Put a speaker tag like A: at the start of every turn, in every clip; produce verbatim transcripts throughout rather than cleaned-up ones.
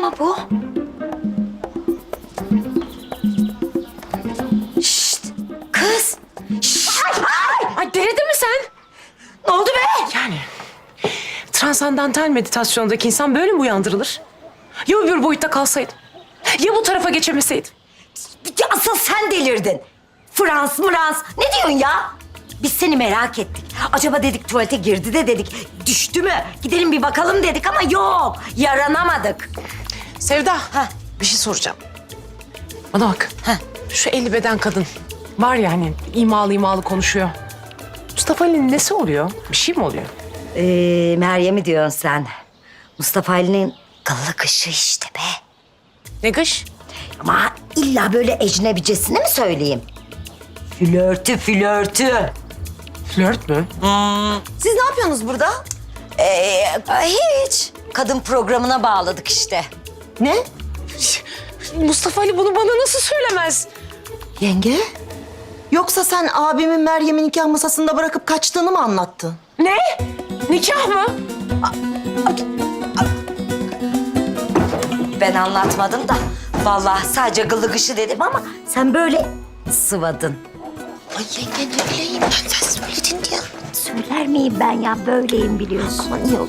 A: ama bu. Şşt! Kız! Şşt! Ay, ay!
B: Ay delirdin mi sen?
A: Ne oldu be?
B: Yani transandantal meditasyondaki insan böyle mi uyandırılır? Ya öbür boyutta kalsaydım? Ya bu tarafa geçemeseydim?
A: Ya asıl sen delirdin. Frans, Frans. Ne diyorsun ya? Biz seni merak ettik. Acaba dedik tuvalete girdi de dedik. Düştü mü? Gidelim bir bakalım dedik ama yok. Yaranamadık.
B: Sevda,
A: Ha.
B: bir şey soracağım. Bana bak.
A: Ha.
B: Şu elli beden kadın var ya hani imalı imalı konuşuyor. Mustafa Ali'nin nesi oluyor? Bir şey mi oluyor?
A: Ee, Meryem'i diyorsun sen. Mustafa Ali'nin kıllı kışı işte be.
B: Ne kış?
A: Ama illa böyle ecnebicesini mi söyleyeyim? Flörtü, flörtü.
B: Flört mü?
A: Siz ne yapıyorsunuz burada? Ee, hiç. Kadın programına bağladık işte. Ne?
B: Mustafa Ali bunu bana nasıl söylemez?
C: Yenge? Yoksa sen abimin Meryem'i nikah masasında bırakıp kaçtığını mı anlattın?
B: Ne? Nikah mı?
A: Ben anlatmadım da. Vallahi sadece gıllı kışı dedim ama sen böyle sıvadın.
C: Ay yenge ne bileyim ben sen söyledin diye.
A: Söyler miyim ben ya? Böyleyim biliyorsun. Aman iyi oldu.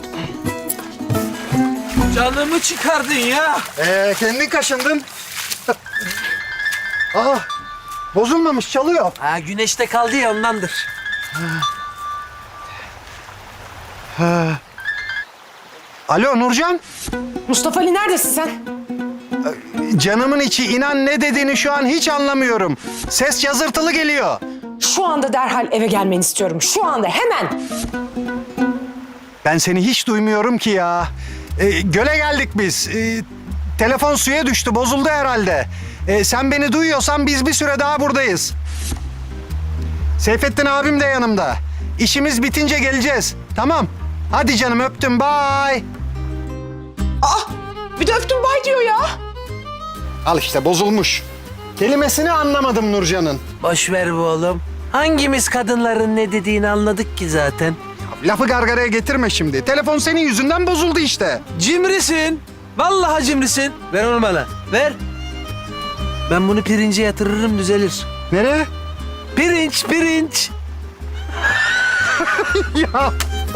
D: Canımı çıkardın ya.
E: Ee, kendin kaşındın. Aa, bozulmamış, çalıyor.
D: Ha güneşte kaldı ya ondandır.
E: Alo Nurcan.
B: Mustafa Ali neredesin sen?
E: Canımın içi, inan ne dediğini şu an hiç anlamıyorum. Ses yazırtılı geliyor.
B: Şu anda derhal eve gelmeni istiyorum. Şu anda hemen.
E: Ben seni hiç duymuyorum ki ya. Ee, göle geldik biz. Ee, telefon suya düştü, bozuldu herhalde. Ee, sen beni duyuyorsan biz bir süre daha buradayız. Seyfettin abim de yanımda. İşimiz bitince geleceğiz. Tamam. Hadi canım, öptüm, bye.
B: Bir de öptüm bay diyor ya.
E: Al işte, bozulmuş. Kelimesini anlamadım Nurcan'ın.
D: Boş ver bu oğlum. Hangimiz kadınların ne dediğini anladık ki zaten.
E: Lafı gargaraya getirme şimdi. Telefon senin yüzünden bozuldu işte.
D: Cimrisin. Vallahi cimrisin. Ver onu bana. Ver. Ben bunu pirince yatırırım düzelir.
E: Nereye?
D: Pirinç, pirinç.
E: Ya.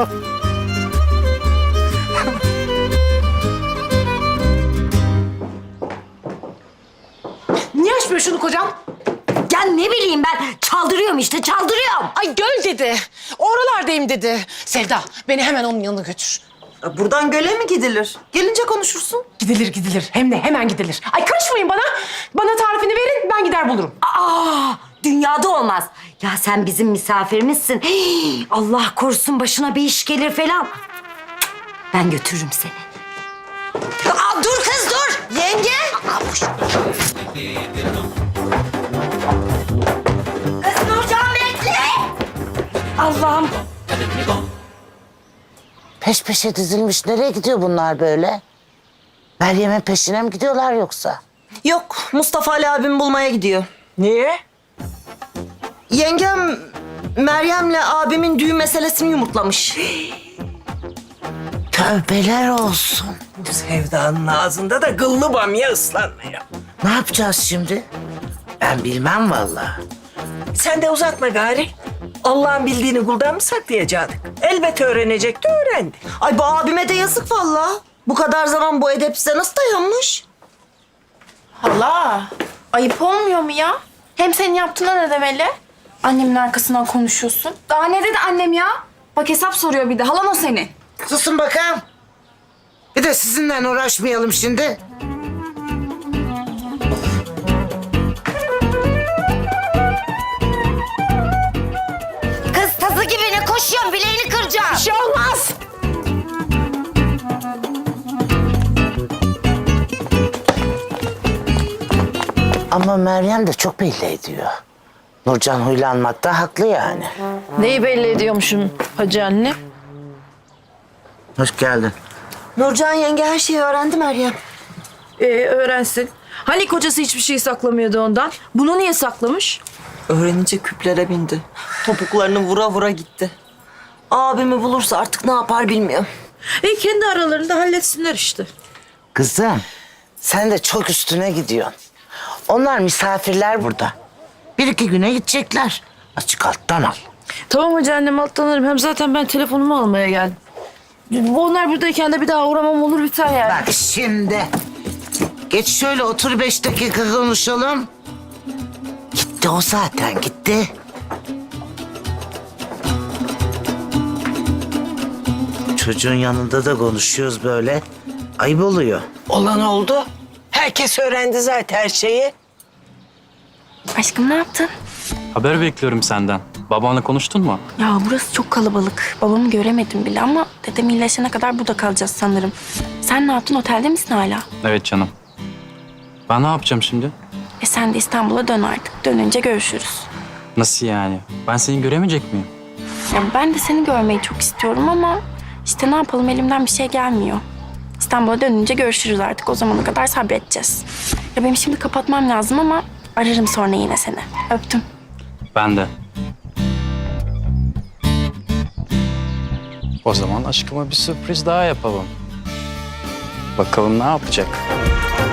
B: Niye açmıyor şunu kocam?
A: Ya ne bileyim ben. Çaldırıyorum işte, çaldırıyorum.
B: Ay göl dedi. Oralardayım dedi. Sevda beni hemen onun yanına götür.
C: Buradan göle mi gidilir? Gelince konuşursun.
B: Gidilir gidilir. Hem de hemen gidilir. Ay karışmayın bana. Bana tarifini verin ben gider bulurum.
A: Aa, dünyada olmaz. Ya sen bizim misafirimizsin. Hii, Allah korusun başına bir iş gelir falan. Ben götürürüm seni. Aa, dur kız dur. Yenge. Aa, boş. Kız Nurcan bekle. Allah'ım.
F: Peş peşe dizilmiş. Nereye gidiyor bunlar böyle? Meryem'in peşine mi gidiyorlar yoksa?
C: Yok Mustafa Ali abim bulmaya gidiyor.
D: Niye?
C: Yengem Meryem'le abimin düğün meselesini yumurtlamış.
F: Tövbeler olsun.
D: Sevdanın ağzında da gıllı bamya ıslanmıyor.
F: Ne yapacağız şimdi? Ben bilmem vallahi.
G: Sen de uzatma gari. Allah'ın bildiğini kuldan mı saklayacaktık? Elbet öğrenecekti, öğrendi.
C: Ay bu abime de yazık vallahi. Bu kadar zaman bu edep size nasıl dayanmış?
H: Hala, ayıp olmuyor mu ya? Hem senin yaptığına ne demeli? Annemin arkasından konuşuyorsun. Daha ne dedi annem ya? Bak hesap soruyor bir de. Halan o senin.
F: Susun bakalım. Bir de sizinle uğraşmayalım şimdi.
A: Kız tazı gibi ne koşuyorsun? Bileğini kıracağım.
B: Bir şey olmaz.
F: Ama Meryem de çok belli ediyor. Nurcan huylanmakta haklı yani.
I: Neyi belli ediyormuşum hacı anne?
F: Hoş geldin.
C: Nurcan yenge her şeyi öğrendi Meryem.
I: Ee, öğrensin. Hani kocası hiçbir şey saklamıyordu ondan? Bunu niye saklamış?
C: Öğrenince küplere bindi. Topuklarını vura vura gitti. Abimi bulursa artık ne yapar bilmiyorum.
I: E kendi aralarında halletsinler işte.
F: Kızım, Sen de çok üstüne gidiyorsun. Onlar misafirler burada. Bir iki güne gidecekler. Açık alttan al.
I: Tamam hacı annem alttan alırım. Hem zaten ben telefonumu almaya geldim. Onlar buradayken de bir daha uğramam olur biter yani.
F: Bak şimdi. Geç şöyle otur beş dakika konuşalım. Gitti o zaten gitti. Çocuğun yanında da konuşuyoruz böyle. Ayıp oluyor.
G: Olan oldu. Herkes öğrendi zaten her şeyi.
H: Aşkım ne yaptın?
J: Haber bekliyorum senden. Babanla konuştun mu?
H: Ya burası çok kalabalık. Babamı göremedim bile ama dedem iyileşene kadar burada kalacağız sanırım. Sen ne yaptın? Otelde misin hala?
J: Evet canım. Ben ne yapacağım şimdi?
H: E sen de İstanbul'a dön artık. Dönünce görüşürüz.
J: Nasıl yani? Ben seni göremeyecek miyim?
H: Ya ben de seni görmeyi çok istiyorum ama işte ne yapalım elimden bir şey gelmiyor. İstanbul'a dönünce görüşürüz artık. O zamana kadar sabredeceğiz. Ya benim şimdi kapatmam lazım ama ararım sonra yine seni. Öptüm.
J: Ben de. O zaman aşkıma bir sürpriz daha yapalım. Bakalım ne yapacak?